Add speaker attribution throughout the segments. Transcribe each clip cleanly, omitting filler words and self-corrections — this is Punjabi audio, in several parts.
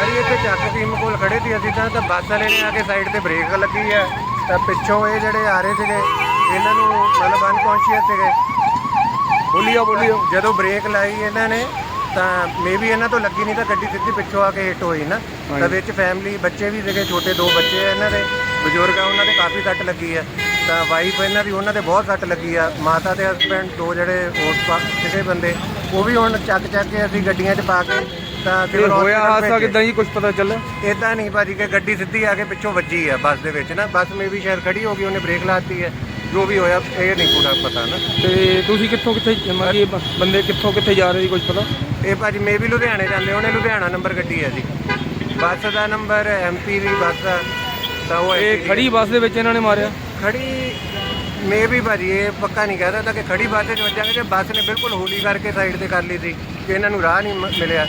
Speaker 1: ਸਵਾਰੀ ਇੱਥੇ ਚੱਕ ਟੀਮ ਕੋਲ ਖੜੇ ਸੀ ਅਸੀਂ ਤਾਂ ਬੱਸ ਵਾਲੇ ਨੇ ਆ ਕੇ ਸਾਈਡ ਤੇ ਬ੍ਰੇਕ ਲੱਗੀ ਹੈ ਤਾਂ ਪਿੱਛੋਂ ਇਹ ਜਿਹੜੇ ਆ ਰਹੇ ਸੀਗੇ ਇਹਨਾਂ ਨੂੰ ਮਤਲਬ ਅਨਕੌਂਸ਼ੀਅਸ ਸੀਗੇ। ਬੋਲੀਓ ਜਦੋਂ ਬ੍ਰੇਕ ਲਾਈ ਇਹਨਾਂ ਨੇ ਤਾਂ ਮੇਬੀ ਇਹਨਾਂ ਤੋਂ ਲੱਗੀ ਨਹੀਂ ਤਾਂ ਗੱਡੀ ਸਿੱਧੀ ਪਿੱਛੋਂ ਆ ਕੇ ਹਿੱਟ ਹੋਈ ਨਾ। ਤਾਂ ਵਿੱਚ ਫੈਮਿਲੀ ਬੱਚੇ ਵੀ ਸੀਗੇ, ਛੋਟੇ 2 ਬੱਚੇ ਆ ਇਹਨਾਂ ਦੇ, ਬਜ਼ੁਰਗ ਆ ਉਹਨਾਂ ਦੇ ਕਾਫੀ ਸੱਟ ਲੱਗੀ ਹੈ। ਤਾਂ ਵਾਈਫ ਇਹਨਾਂ ਦੀ ਉਹਨਾਂ ਦੇ ਬਹੁਤ ਸੱਟ ਲੱਗੀ ਆ। ਮਾਤਾ ਤੇ ਹਸਬੈਂਡ 2 ਜਿਹੜੇ ਹੋਰ ਕਿਸੇ ਬੰਦੇ ਉਹ ਵੀ ਹੁਣ ਚੱਕ ਕੇ ਅਸੀਂ ਗੱਡੀਆਂ 'ਚ ਪਾ ਕੇ ਤਾਂ ਫਿਰ
Speaker 2: ਹੋਇਆ ਹਾਦਸਾ ਕਿੱਦਾਂ ਜੀ, ਕੁਝ ਪਤਾ ਚੱਲਿਆ?
Speaker 1: ਇੱਦਾਂ ਨਹੀਂ ਭਾਜੀ ਕਿ ਗੱਡੀ ਸਿੱਧੀ ਆ ਕੇ ਪਿੱਛੋਂ ਵੱਜੀ ਆ ਬੱਸ ਦੇ ਵਿੱਚ ਨਾ। ਬੱਸ ਮੇਬੀ ਸ਼ਾਇਦ ਖੜੀ ਹੋ ਗਈ, ਉਹਨੇ ਬ੍ਰੇਕ ਲਾਤੀ ਹੈ। ਜੋ ਵੀ ਹੋਇਆ ਇਹ ਨਹੀਂ ਪੂਰਾ ਪਤਾ ਨਾ।
Speaker 2: ਤੇ ਤੁਸੀਂ ਕਿੱਥੇ ਬੰਦੇ ਕਿੱਥੇ ਜਾ ਰਹੇ ਸੀ, ਕੁਝ ਪਤਾ?
Speaker 1: ਇਹ ਭਾਜੀ ਮੇਬੀ ਲੁਧਿਆਣੇ ਜਾਂਦੇ ਹੋਣੇ, ਲੁਧਿਆਣਾ ਨੰਬਰ ਗੱਡੀ ਹੈ ਜੀ। ਬੱਸ ਦਾ ਨੰਬਰ MP ਦੀ ਬੱਸ ਆ। ਤਾਂ ਉਹ
Speaker 2: ਇਹ ਖੜੀ ਬੱਸ ਦੇ ਵਿੱਚ ਇਹਨਾਂ ਨੇ ਮਾਰਿਆ?
Speaker 1: ਖੜੀ ਮੇਬੀ ਭਾਜੀ ਇਹ ਪੱਕਾ ਨਹੀਂ ਕਹਿ ਸਕਦਾ ਕਿ ਖੜੀ ਬੱਸ 'ਚ ਵੱਜਾਂਗੇ ਕਿ ਬੱਸ ਨੇ ਬਿਲਕੁਲ ਹੌਲੀ ਕਰਕੇ ਸਾਈਡ ਤੇ ਕਰ ਲਈ ਸੀ ਕਿ ਇਹਨਾਂ ਨੂੰ ਰਾਹ ਨਹੀਂ ਮਿਲਿਆ।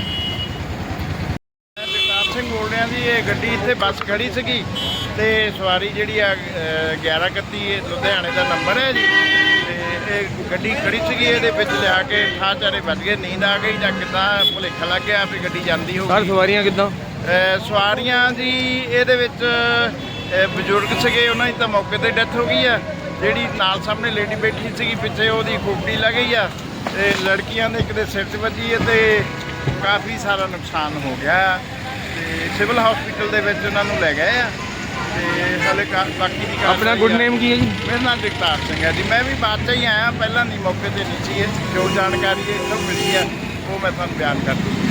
Speaker 3: ਜਗਤਾਰ ਸਿੰਘ ਬੋਲ ਰਿਹਾ ਜੀ। ਇਹ ਗੱਡੀ ਇੱਥੇ ਬੱਸ ਖੜੀ ਸੀਗੀ ਤੇ ਸਵਾਰੀ ਜਿਹੜੀ ਆ 1131 ਇਹ ਲੁਧਿਆਣੇ ਦਾ ਨੰਬਰ ਹੈ ਜੀ। ਤੇ ਇਹ ਗੱਡੀ ਖੜੀ ਸੀਗੀ, ਇਹਦੇ ਵਿੱਚ ਲਿਆ ਕੇ ਠਾਚਾਰੇ ਵੱਜ ਗਏ। ਨੀਂਦ ਆ ਗਈ ਜਾਂ ਕਿੱਦਾਂ ਭੁਲੇਖਾ ਲੱਗ ਗਿਆ ਵੀ ਗੱਡੀ ਜਾਂਦੀ ਹੋਊਗੀ।
Speaker 2: ਸਰ ਸਵਾਰੀਆਂ ਕਿੱਦਾਂ?
Speaker 3: ਸਵਾਰੀਆਂ ਜੀ ਇਹਦੇ ਵਿੱਚ ਬਜ਼ੁਰਗ ਸੀਗੇ, ਉਹਨਾਂ ਦੀ ਤਾਂ ਮੌਕੇ ਤੇ ਡੈਥ ਹੋ ਗਈ ਆ। ਜਿਹੜੀ ਨਾਲ ਸਾਹਮਣੇ ਲੇਡੀ ਬੈਠੀ ਸੀਗੀ ਪਿੱਛੇ, ਉਹਦੀ ਖੋਪੜੀ ਲੱਗ ਗਈ ਆ। ਤੇ ਲੜਕੀਆਂ ਦੇ ਇੱਕ ਦੇ ਸਿਰ 'ਚ ਵੱਜੀ ਹੈ ਤੇ ਕਾਫੀ ਸਾਰਾ ਨੁਕਸਾਨ ਹੋ ਗਿਆ। ਤੇ ਸਿਵਲ ਹਸਪੀਟਲ ਦੇ ਵਿੱਚ ਉਹਨਾਂ ਨੂੰ ਲੈ ਗਏ ਆ ਤੇ ਹਾਲੇ ਬਾਕੀ ਦੀ
Speaker 2: ਆਪਣਾ ਗੁੱਡ ਨੇਮ ਕੀ ਹੈ ਜੀ?
Speaker 3: ਮੇਰਾ ਨਾਮ ਜਗਤਾਰ ਸਿੰਘ ਹੈ ਜੀ। ਮੈਂ ਵੀ ਬਾਅਦ 'ਚ ਹੀ ਆਇਆ, ਪਹਿਲਾਂ ਨਹੀਂ ਮੌਕੇ ਤੇ ਨਹੀਂ ਸੀ। ਜੋ ਜਾਣਕਾਰੀ ਇੱਥੋਂ ਮਿਲੀ ਆ ਉਹ ਮੈਂ ਤੁਹਾਨੂੰ ਬਿਆਨ ਕਰ ਦਿੱਤੀ।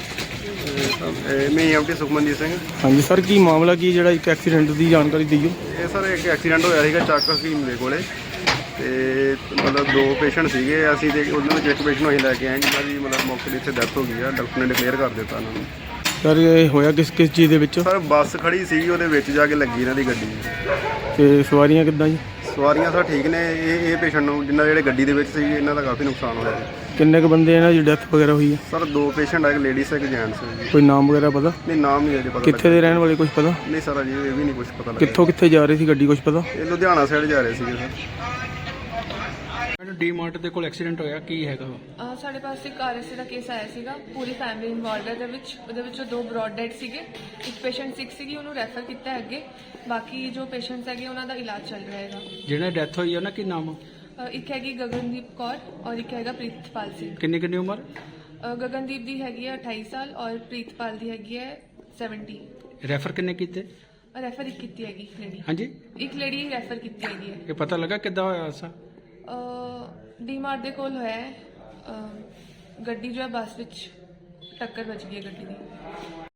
Speaker 4: ਮੈਂ MT ਸੁਖਮਨਜੀਤ ਸਿੰਘ।
Speaker 2: ਹਾਂਜੀ ਸਰ, ਕੀ ਮਾਮਲਾ ਕੀ ਜਿਹੜਾ ਇੱਕ ਐਕਸੀਡੈਂਟ ਦੀ ਜਾਣਕਾਰੀ ਦਿਓ?
Speaker 4: ਇਹ ਸਰ ਇੱਕ ਐਕਸੀਡੈਂਟ ਹੋਇਆ ਸੀਗਾ ਚੱਕ ਹਕੀਮ ਦੇ ਕੋਲੇ ਤੇ ਮਤਲਬ 2 ਪੇਸ਼ੈਂਟ ਸੀਗੇ ਅਸੀਂ ਤੇ ਉਹਨਾਂ ਵਿੱਚ ਇੱਕ ਪੇਸ਼ੈਂਟ ਨੂੰ ਅਸੀਂ ਲੈ ਕੇ ਆਏ ਜਿਹਨਾਂ ਦੀ ਮਤਲਬ ਮੌਕੇ 'ਤੇ ਇੱਥੇ ਡੈਥ ਹੋ ਗਈ ਆ। ਡਾਕਟਰ ਨੇ ਡਿਕਲੇਅਰ ਕਰ ਦਿੱਤਾ ਉਹਨਾਂ ਨੂੰ।
Speaker 2: ਸਰ ਇਹ ਹੋਇਆ ਕਿਸ ਚੀਜ਼ ਦੇ ਵਿੱਚ?
Speaker 4: ਸਰ ਬੱਸ ਖੜੀ ਸੀਗੀ, ਉਹਦੇ ਵਿੱਚ ਜਾ ਕੇ ਲੱਗੀ ਇਹਨਾਂ ਦੀ ਗੱਡੀ।
Speaker 2: ਤੇ ਸਵਾਰੀਆਂ ਕਿੱਦਾਂ ਜੀ?
Speaker 4: ਸਵਾਰੀਆਂ ਸਰ ਠੀਕ ਨੇ। ਇਹ ਪੇਸ਼ੈਂਟ ਨੂੰ ਜਿਨ੍ਹਾਂ ਜਿਹੜੇ ਗੱਡੀ ਦੇ ਵਿੱਚ ਸੀ ਇਹਨਾਂ ਦਾ ਕਾਫੀ ਨੁਕਸਾਨ ਹੋਇਆ ਜੀ।
Speaker 2: ਕਿੰਨੇ ਕੁ ਬੰਦੇ ਇਹਨਾਂ ਦੀ ਡੈਥ ਵਗੈਰਾ ਹੋਈ ਹੈ?
Speaker 4: ਸਰ 2 ਪੇਸ਼ੈਂਟ ਆ, ਇੱਕ ਲੇਡੀਜ਼ ਇੱਕ ਜੈਂਟਸ ਜੀ।
Speaker 2: ਕੋਈ ਨਾਮ ਵਗੈਰਾ ਪਤਾ?
Speaker 4: ਨਹੀਂ ਨਾਮ ਨਹੀਂ ਅਜੇ ਪਤਾ।
Speaker 2: ਕਿੱਥੇ ਦੇ ਰਹਿਣ ਵਾਲੇ ਕੁਝ ਪਤਾ?
Speaker 4: ਨਹੀਂ ਸਰ ਅਜੇ ਇਹ ਵੀ ਨਹੀਂ ਕੁਝ ਪਤਾ ਲੱਗਿਆ।
Speaker 2: ਕਿੱਥੇ ਜਾ ਰਹੀ ਸੀ ਗੱਡੀ, ਕੁਝ ਪਤਾ?
Speaker 4: ਇਹ ਲੁਧਿਆਣਾ ਸਾਈਡ ਜਾ ਰਹੇ ਸੀਗੇ ਸਰ।
Speaker 2: ਡੀ ਮਾਰਟ ਦੇ ਕੋਲ ਐਕਸੀਡੈਂਟ ਹੋਇਆ, ਕੀ ਹੈਗਾ?
Speaker 5: ਸਾਡੇ ਪਾਸ ਇੱਕ RSA ਦਾ ਕੇਸ ਆਇਆ ਸੀਗਾ। ਪੂਰੀ ਫੈਮਿਲੀ ਇਨਵੋਲਵਡ ਹੈ ਉਹਦੇ ਵਿੱਚੋਂ 2 ਬ੍ਰੌਡ ਡੈਡ ਸੀਗੇ। ਇੱਕ ਪੇਸ਼ੈਂਟ ਸਿਕ ਸੀਗੀ, ਉਹਨੂੰ ਰੈਫਰ ਕੀਤਾ ਅੱਗੇ। ਬਾਕੀ ਜੋ ਪੇਸ਼ੈਂਟਸ ਹੈਗੇ ਉਹਨਾਂ ਦਾ ਇਲਾਜ ਚੱਲ ਰਿਹਾ ਹੈਗਾ।
Speaker 2: ਜਿਹੜਾ ਡੈਥ ਹੋਈ ਹੈ ਉਹਨਾਂ ਕੀ ਨਾਮ?
Speaker 5: ਇੱਕ ਹੈਗੀ ਗਗਨਦੀਪ ਕੌਰ ਔਰ ਇੱਕ ਹੈਗਾ ਪ੍ਰੀਤਪਾਲ ਸਿੰਘ।
Speaker 2: ਕਿੰਨੀ ਉਮਰ?
Speaker 5: ਗਗਨਦੀਪ ਦੀ ਹੈਗੀ ਹੈ 28 ਸਾਲ ਔਰ ਪ੍ਰੀਤਪਾਲ ਦੀ ਹੈਗੀ ਹੈ 70।
Speaker 2: ਰੈਫਰ ਕਿੰਨੇ ਕੀਤੇ?
Speaker 5: ਰੈਫਰ ਇੱਕ ਕੀਤੀ ਹੈਗੀ ਲੇਡੀ।
Speaker 2: ਹਾਂਜੀ,
Speaker 5: ਇੱਕ ਲੇਡੀ ਰੈਫਰ ਕੀਤੀ ਹੈਗੀ ਹੈ।
Speaker 2: ਇਹ ਪਤਾ ਲੱਗਾ ਕਿੱਦਾਂ ਹੋਇਆ ਹਾਦਸਾ?
Speaker 5: ਡੀ ਮਾਰਟ ਦੇ ਕੋਲ ਹੋਇਆ ਹੈ। ਗੱਡੀ ਜੋ ਹੈ ਬੱਸ ਵਿੱਚ ਟੱਕਰ ਵੱਜ ਗਈ ਹੈ ਗੱਡੀ ਦੀ।